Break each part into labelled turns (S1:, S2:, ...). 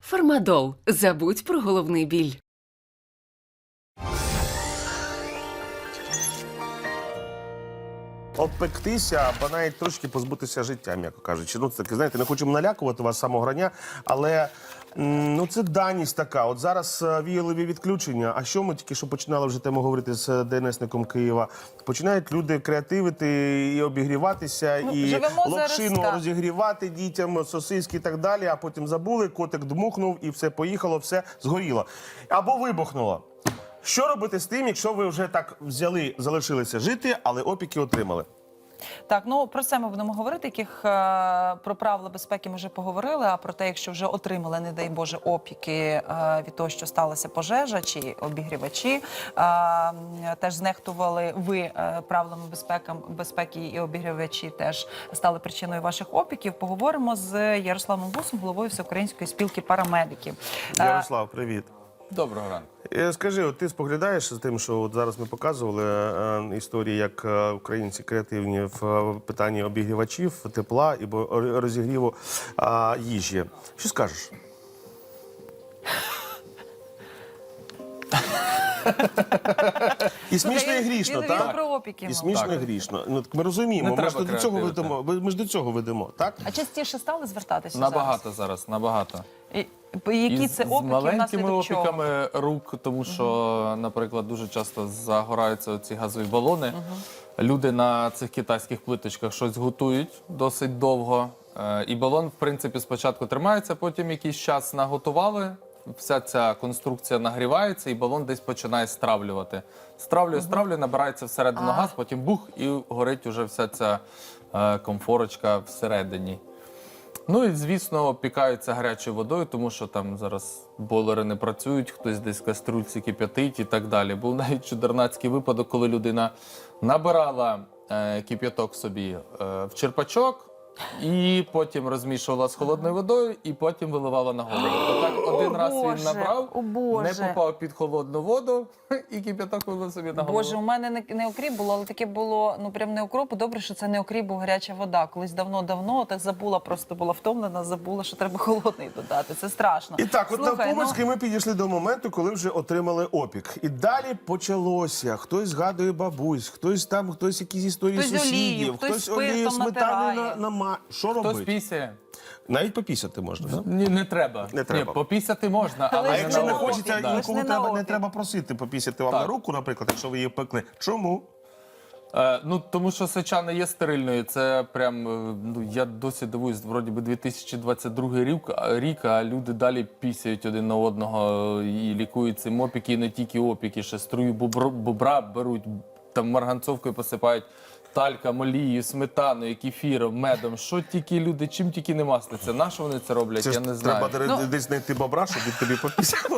S1: Фармадол. Забудь про головний біль.
S2: Обпектися, або навіть трошки позбутися життя, м'яко кажучи. Ну, це таке, знаєте, не хочу налякувати вас з самого рання, але ну, це даність така. От зараз віялові відключення. А що ми тільки що починали вже тему говорити з ДНСником Києва? Починають люди креативити і обігріватися, і локшину розігрівати дітям, сосиски і так далі, а потім забули, котик дмухнув і все поїхало, все згоріло. Або вибухнуло. Що робити з тим, якщо ви вже так взяли, залишилися жити, але опіки отримали?
S3: Так, ну про це ми будемо говорити, про правила безпеки ми вже поговорили, а про те, якщо вже отримали, не дай Боже, опіки від того, що сталася пожежа чи обігрівачі, теж знехтували ви правилами безпеки і обігрівачі теж стали причиною ваших опіків. Поговоримо з Ярославом Бусом, головою Всеукраїнської спілки парамедиків.
S2: Ярослав, привіт.
S4: Доброго ранку.
S2: Скажи, от ти споглядаєш з тим, що от зараз ми показували історії, як українці креативні в питанні обігрівачів, тепла і розігріву їжі. Що скажеш? І смішно, і грішно, так? І смішно, і грішно. Ну, ми розуміємо, ми ж до цього ведемо, так?
S3: А частіше стали звертатися
S4: Набагато зараз, набагато.
S3: Які це опіки,
S4: з маленькими
S3: внаслідок чого?
S4: опіками рук, тому що, наприклад, дуже часто загораються ці газові балони. Люди на цих китайських плиточках щось готують досить довго. І балон, в принципі, спочатку тримається, потім якийсь час наготували. Вся ця конструкція нагрівається, і балон десь починає стравлювати. Стравлює, набирається всередину газ, потім бух, і горить уже вся ця комфорочка всередині. Ну і, звісно, опікаються гарячою водою, тому що там зараз бойлери не працюють, хтось десь в каструльці кип'ятить і так далі. Був навіть чудернацький випадок, коли людина набирала кип'яток собі в черпачок, і потім розмішувала з холодною водою, і потім виливала на голову. Отак один раз він набрав, не попав під холодну воду, і кип'яток вилив собі на голову.
S3: Боже, у мене не окріп було, але таке було, ну прям не окропу. Добре, що це не окріп, був гаряча вода. Колись давно, так забула, просто була втомлена, забула, що треба холодний додати. Це страшно.
S2: І так, от навпомацьки ми підійшли до моменту, коли вже отримали опік. І далі почалося. Хтось згадує бабусь, хтось якісь історії сусідів, хтось олію, сметану на що робити?
S4: Хтось пісяє.
S2: Навіть попісяти можна, так?
S4: Ні, не треба.
S2: Не треба.
S4: Ні, попісяти можна, але
S2: А якщо не
S4: на
S2: хочеться,
S4: опік,
S2: нікому не треба просити попісяти вам на руку, наприклад, якщо ви її пекли. Чому?
S4: Ну, тому що сеча не є стерильною. Це прям, ну, я досі дивуюсь, вроді би 2022 рік, а люди далі пісяють один на одного і лікують цим опіки, і не тільки опіки, ще струю бобра беруть, там марганцовкою посипають. Тальком, олією, сметаною, кефіром, медом, що тільки люди, чим тільки не маститься. На що вони це роблять,
S2: Це
S4: я не знаю.
S2: Треба десь знайти бобра, щоб він тобі попісяв.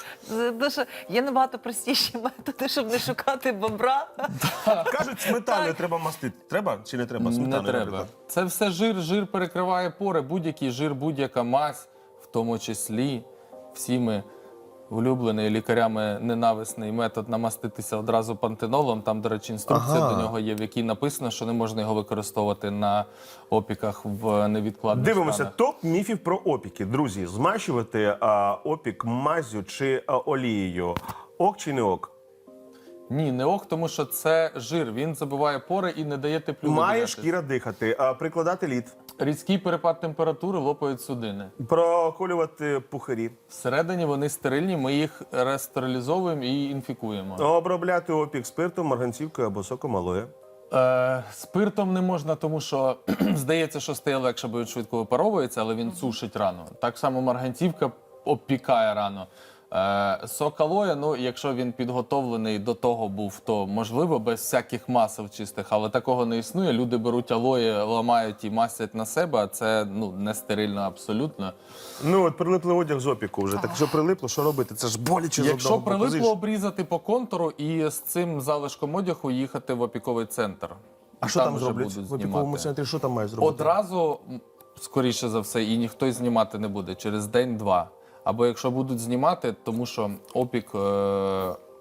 S3: Є набагато простіші методи, щоб не шукати бобра.
S2: Кажуть, сметаною треба мастити. Треба чи не треба?
S4: Не треба. Це все жир перекриває пори. Будь-який жир, будь-яка мазь, в тому числі всіми улюблений лікарями ненависний метод намаститися одразу пантенолом. Там, до речі, інструкція до нього є, в якій написано, що не можна його використовувати на опіках в невідкладних
S2: Дивимося,
S4: станах.
S2: топ міфів про опіки. Друзі, змащувати опік мазю чи олією. Ок чи не ок?
S4: Ні, не ок, тому що це жир. Він забиває пори і не дає теплу.
S2: Має шкіра дихати. Прикладати лід.
S4: Різкий перепад температури лопають судини.
S2: Проколювати пухарі.
S4: Всередині вони стерильні, ми їх рестерилізовуємо і інфікуємо.
S2: Обробляти опік спиртом, марганцівкою або соком алоє.
S4: Спиртом не можна, тому що здається, що стає легше, бо він швидко випаровується, але він сушить рану. Так само марганцівка обпікає рану. Сок алоя, ну, якщо він підготовлений до того був, то можливо, без всяких масел чистих, але такого не існує. Люди беруть алоє, ламають і масять на себе, а це, ну, не стерильно абсолютно.
S2: Ну, от прилиплий одяг з опіку вже. Так що прилипло, що робити? Це ж боляче з одного
S4: Якщо
S2: боку.
S4: прилипло, обрізати по контуру і з цим залишком одягу їхати в опіковий центр.
S2: А що там
S4: вже
S2: зроблять?
S4: будуть
S2: В опіковому
S4: знімати.
S2: центрі що там мають зробити?
S4: Одразу, скоріше за все, і ніхто й знімати не буде через день-два. Або якщо будуть знімати, тому що опік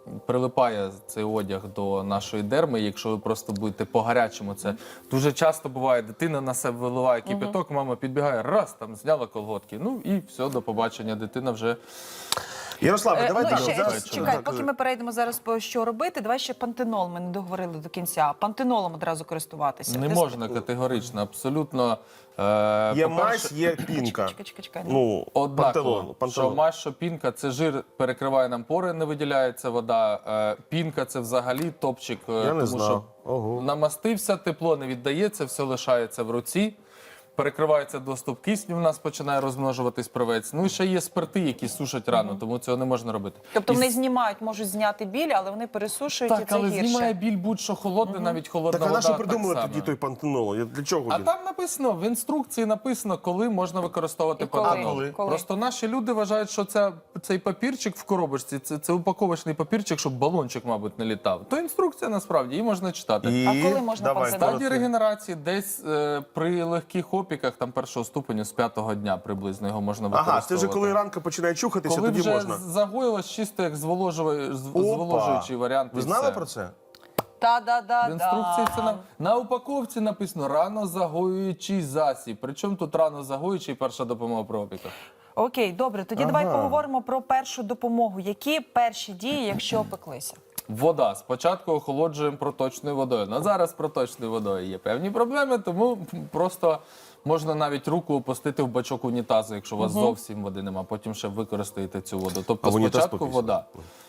S4: прилипає цей одяг до нашої дерми. Якщо ви просто будете по-гарячому, це дуже часто буває, дитина на себе виливає кипяток, мама підбігає, раз, там зняла колготки. Ну і все, до побачення, дитина вже...
S2: Ярославе, давайте
S3: Ну, і ще,
S2: зараз.
S3: чекай,
S2: Так,
S3: поки ми перейдемо зараз по що робити, давай ще пантенол, ми не договорили до кінця. Пантенолом одразу користуватися.
S4: Не
S3: Ти
S4: можна категорично, абсолютно.
S2: Є
S4: По-перше,
S2: мазь, є пінка.
S3: Чекай.
S2: Ну,
S4: однаково,
S2: пантенол.
S4: що мазь, що пінка, це жир перекриває нам пори, не виділяється вода. Пінка це взагалі топчик,
S2: Я не
S4: тому
S2: знав.
S4: що
S2: Ого.
S4: намастився, тепло не віддається, все лишається в руці. Перекривається доступ кисню, в нас починає розмножуватись правець. Ну і ще є спирти, які сушать рану, тому цього не можна робити.
S3: Тобто
S4: І
S3: вони знімають, можуть зняти біль, але вони пересушують і
S4: так,
S3: це
S4: але
S3: гірше.
S4: знімає біль будь-що холодне, навіть холодна
S2: Так а
S4: вода.
S2: на що
S4: так
S2: придумали
S4: само.
S2: тоді той пантенол? Для чого
S4: А
S2: він?
S4: там написано, в інструкції написано, коли можна використовувати
S3: І коли?
S4: пантенол.
S2: Коли?
S4: Просто наші люди вважають, що цей папірчик в коробочці, це упаковочний папірчик, щоб балончик, мабуть, не літав. То інструкція насправді, її можна читати.
S3: А коли можна
S2: Давай,
S3: пантенол?
S4: Стадії регенерації десь при легких опіках, там першого ступеню, з 5-го дня приблизно його можна використовувати.
S2: Ага, це вже коли ранка починає чухатися,
S4: Коли
S2: тоді
S4: вже
S2: можна.
S4: загоїлось, чисто як зволожуючий варіант.
S2: Ви
S4: і
S2: знали
S4: все.
S2: про це?
S4: В інструкції це на упаковці написано ранозагоюючий засіб. Причому тут ранозагоюючий перша допомога при опіках.
S3: Окей, добре, тоді давай поговоримо про першу допомогу. Які перші дії, якщо опеклися?
S4: Вода. Спочатку охолоджуємо проточною водою. На зараз проточною водою є певні проблеми, тому просто можна навіть руку опустити в бачок унітазу, якщо у вас зовсім води нема. Потім ще використаєте цю воду. Тобто
S2: А в унітаз
S4: спочатку
S2: попісти?
S4: вода.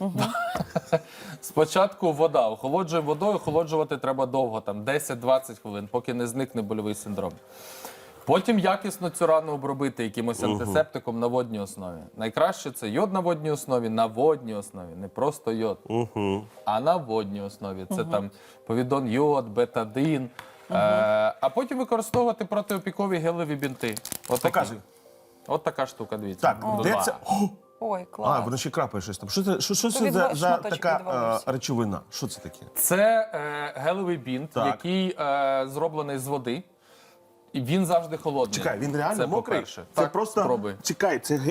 S4: Спочатку вода. Охолоджуємо водою, охолоджувати треба довго, там 10-20 хвилин, поки не зникне больовий синдром. Потім якісно цю рану обробити якимось антисептиком на водній основі. Найкраще це йод на водній основі, на водній основі, не просто йод, а на водній основі. Це там повідон йод, бетадин. А потім використовувати протиопікові гелеві бінти.
S2: Показуй.
S4: От така штука, дивіться.
S2: Так, де це? О!
S3: Ой,
S2: А,
S3: клас.
S2: воно ще крапає щось там. Що це
S3: від
S2: за
S3: шматочок
S2: така
S3: відвалився.
S2: речовина? Що це таке?
S4: Це гелевий бінт,
S2: Так.
S4: який зроблений з води. І він завжди холодний.
S2: Чекай, він реально
S4: це
S2: мокрий?
S4: по-перше.
S2: Це
S4: Так,
S2: просто...
S4: спробуй.
S2: Чекай, це...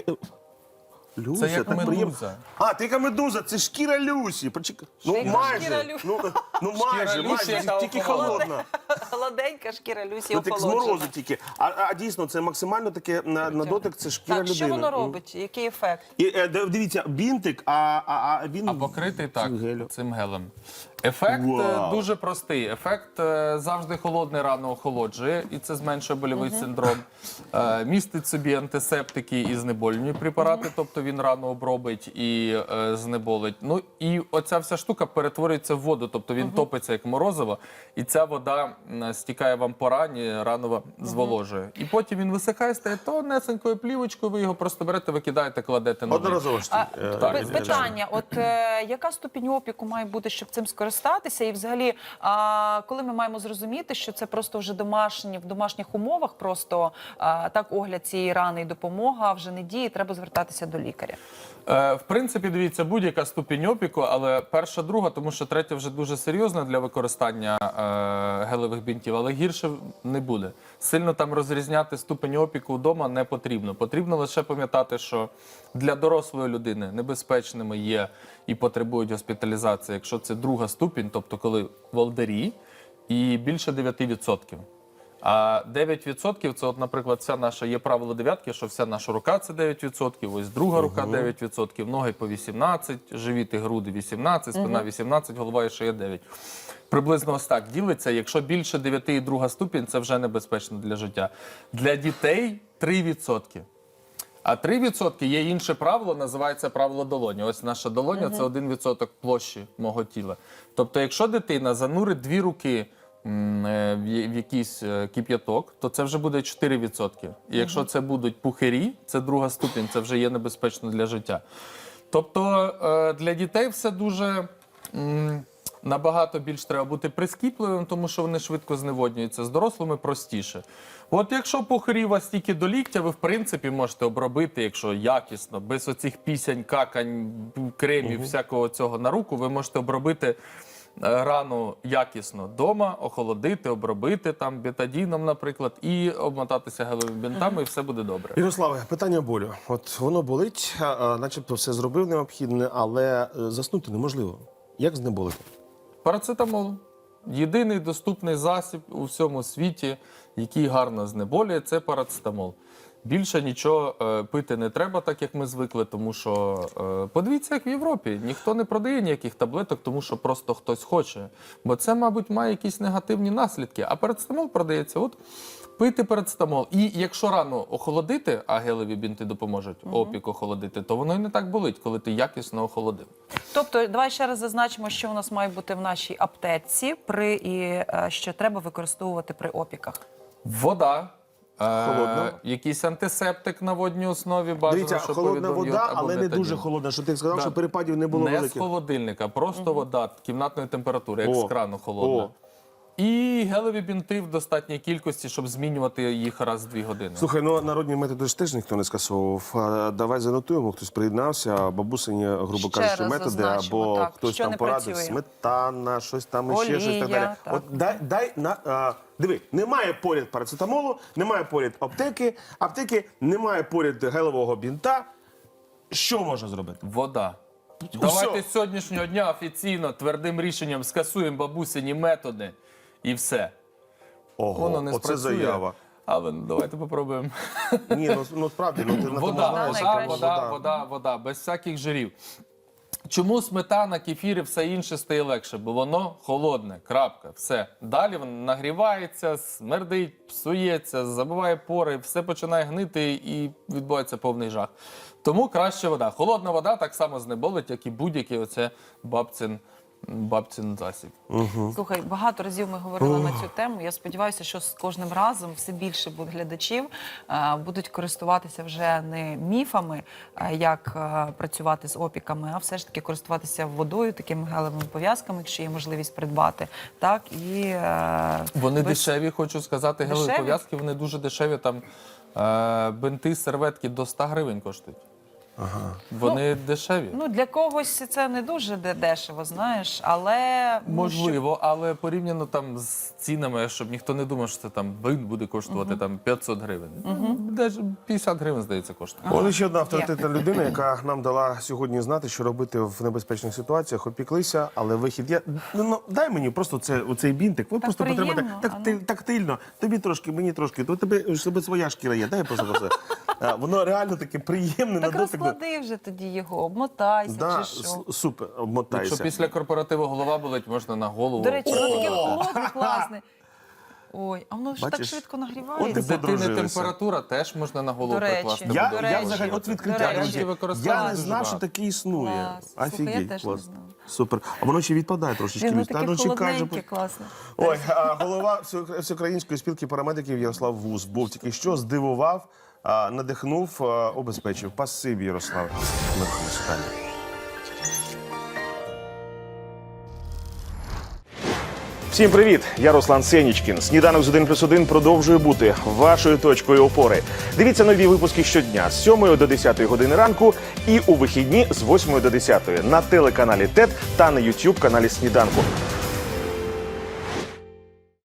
S2: Люся,
S4: Це як
S2: так приємно.
S4: медуза.
S2: А, ти яка медуза, це шкіра Люсі. Почекай. Ну,
S3: Шкіра
S2: майже.
S3: Люсі.
S2: Ну, майже,
S4: Люсі,
S2: майже.
S4: яка
S2: Тільки
S4: охолоджена.
S2: холодна.
S3: Холоденька шкіра Люсі
S2: Ну, так з
S3: охолоджена.
S2: морозу тільки. А дійсно, це максимально таке на дотик, це шкіра
S3: Так,
S2: людини.
S3: що воно робить? Який ефект?
S2: І, дивіться, бінтик, а він...
S4: А покритий так,
S2: гелю.
S4: цим гелем. Ефект
S2: Вау.
S4: дуже простий. Ефект завжди холодний рано охолоджує, і це зменшує больовий синдром. Містить собі антисептики і знеболювальні препарати, тобто він рано обробить і знеболить. Ну і оця вся штука перетворюється в воду, тобто він топиться як морозиво, і ця вода стікає вам по рані, рано зволожує. І потім він висихає, стає тонесенькою плівочкою, ви його просто берете, викидаєте, кладете на
S2: Одноразово ж.
S3: Питання, от яка ступінь опіку має бути, щоб цим скористатися? І взагалі, коли ми маємо зрозуміти, що це просто вже в домашніх умовах, просто так огляд цієї рани і допомога вже не діє, треба звертатися до лікаря?
S4: В принципі, дивіться, будь-яка ступінь опіку, але перша, друга, тому що третя вже дуже серйозна для використання гелевих бінтів, але гірше не буде. Сильно там розрізняти ступінь опіку вдома не потрібно. Потрібно лише пам'ятати, що для дорослої людини небезпечними є і потребують госпіталізації, якщо це друга ступінь, тобто коли волдері, і більше 9%. А 9% це, от, наприклад, вся наша, є правило дев'ятки, що вся наша рука це 9%, ось друга рука 9%, ноги по 18%, живіт і груди 18%, спина 18%, голова і шия 9%. Приблизно ось так ділиться. Якщо більше 9 і друга ступінь, це вже небезпечно для життя. Для дітей 3%. А 3% є інше правило, називається правило долоні. Ось наша долоня – це 1% площі мого тіла. Тобто, якщо дитина занурить 2 руки в якийсь кип'яток, то це вже буде 4%. І якщо це будуть пухирі, це друга ступінь, це вже є небезпечно для життя. Тобто для дітей все дуже набагато більш треба бути прискіпливим, тому що вони швидко зневоднюються. З дорослими простіше. От якщо пухирі у вас тільки до ліктя, ви в принципі можете обробити, якщо якісно, без оцих пісянь, какань, кремів, всякого цього на руку, ви можете обробити рану якісно вдома, охолодити, обробити там бетадіном, наприклад, і обмотатися гелевими бінтами, і все буде добре.
S2: Ярославе, питання болю. От воно болить, начебто все зробив необхідне, але заснути неможливо. Як знеболити?
S4: Парацетамол. Єдиний доступний засіб у всьому світі, який гарно знеболює, це парацетамол. Більше нічого пити не треба, так як ми звикли, тому що подивіться, як в Європі. Ніхто не продає ніяких таблеток, тому що просто хтось хоче. Бо це, мабуть, має якісь негативні наслідки. А парацетамол продається, от пийте парацетамол. І якщо рану охолодити, а гелеві бінти допоможуть опік охолодити, то воно і не так болить, коли ти якісно охолодив.
S3: Тобто, давай ще раз зазначимо, що у нас має бути в нашій аптеці що треба використовувати при опіках.
S4: Вода.
S2: Холодна.
S4: Якийсь антисептик на водній основі бажано,
S2: Дивіться,
S4: щоб
S2: холодна
S4: повідомив йод
S2: вода,
S4: або
S2: але не
S4: бетадін.
S2: дуже холодна. Що ти сказав,
S4: Да.
S2: що перепадів не було
S4: Не з
S2: великих?
S4: холодильника, просто вода кімнатної температури, як
S2: О,
S4: з крану холодна.
S2: о.
S4: І гелеві бінти в достатній кількості, щоб змінювати їх раз в 2 години.
S2: Слухай, ну народні методи ж теж ніхто не скасовував. Давай занотуємо, хтось приєднався, бабусині, грубо
S3: Ще
S2: кажучи,
S3: раз
S2: методи,
S3: зазначимо,
S2: або
S3: так,
S2: хтось
S3: що
S2: там
S3: не
S2: порадив,
S3: працює.
S2: сметана, щось там іще, щось так
S3: Олія,
S2: далі.
S3: так.
S2: От диви, немає поряд парацетамолу, немає поряд аптеки, немає поряд гелевого бінта. Що можна зробити?
S4: Вода. Давайте з сьогоднішнього дня офіційно твердим рішенням скасуємо бабусині методи і все. Воно не
S2: оце
S4: спрацює.
S2: заява.
S4: Але давайте попробуємо.
S2: Ні, ну справді, ну ти на тому
S4: Вода,
S2: знаєш.
S4: вода, без всяких жирів. Чому сметана, кефір і все інше стає легше? Бо воно холодне, крапка, все. Далі воно нагрівається, смердить, псується, забиває пори, все починає гнити і відбувається повний жах. Тому краще вода. Холодна вода так само знеболить, як і будь-який оце бабцин засіб.
S3: Слухай, багато разів ми говорили на цю тему. Я сподіваюся, що з кожним разом все більше буде глядачів будуть користуватися вже не міфами, як працювати з опіками, а все ж таки користуватися водою, такими гелевими пов'язками, якщо є можливість придбати. Так, і,
S4: Вони
S3: ви ж-
S4: дешеві, хочу сказати, гелеві
S3: Дешеві?
S4: пов'язки, вони дуже дешеві. Там бинти, серветки до 100 гривень коштують. Вони дешеві.
S3: Ну, для когось це не дуже дешево, знаєш, але...
S4: Можливо, але порівняно там з цінами, щоб ніхто не думав, що це там бинт буде коштувати там 500 гривень. Десь 50 гривень, здається, коштує.
S2: Ось ще одна авторитетна людина, яка нам дала сьогодні знати, що робити в небезпечних ситуаціях. Опіклися, але вихід. Дай мені просто оцей бінтик. Ви просто
S3: приємно,
S2: потримайте тактильно. Тобі трошки, мені трошки. То тебе своя шкіра є. Дай просто про це. Воно реально таке приємне на
S3: Так
S2: дотик.
S3: розклади вже тоді його, обмотайся
S2: Да,
S3: чи що.
S2: супер,
S4: Якщо
S2: обмотайся.
S4: після корпоративу голова болить, можна на голову.
S3: До речі, воно таке
S4: покласти.
S3: холодне, класне. Ой, а воно ж так
S2: Бачиш?
S3: швидко
S2: От
S3: нагрівається.
S2: ти
S4: З дитини
S2: подружилися.
S4: температура теж можна на голову
S3: До речі.
S4: прикласти.
S3: До
S2: Я
S3: речі.
S2: взагалі, от
S3: До
S2: відкриття,
S3: речі.
S2: друзі, я
S4: Використовують
S2: не
S4: дуже
S2: знав, що
S4: багато.
S2: таке існує.
S3: Клас. Слухай, я
S2: Офігеть,
S3: теж
S2: клас.
S3: не знала.
S2: Супер. А воно ще відпадає трошечки.
S3: Воно
S2: Люсь. Та,
S3: таке
S2: ну, чекай же,
S3: холодненьке, класне.
S2: Ой, голова Всеукраїнської спілки парамедиків Ярослав Вус був тільки що, здивував, надихнув, обезпечив. Спасибі, Ярослав. Всім привіт! Я Руслан Сенічкін. Сніданок з 1+1 продовжує бути вашою точкою опори. Дивіться нові випуски щодня з 7 до 10 години ранку і у вихідні з 8 до 10 на телеканалі ТЕТ та на YouTube каналі Сніданку.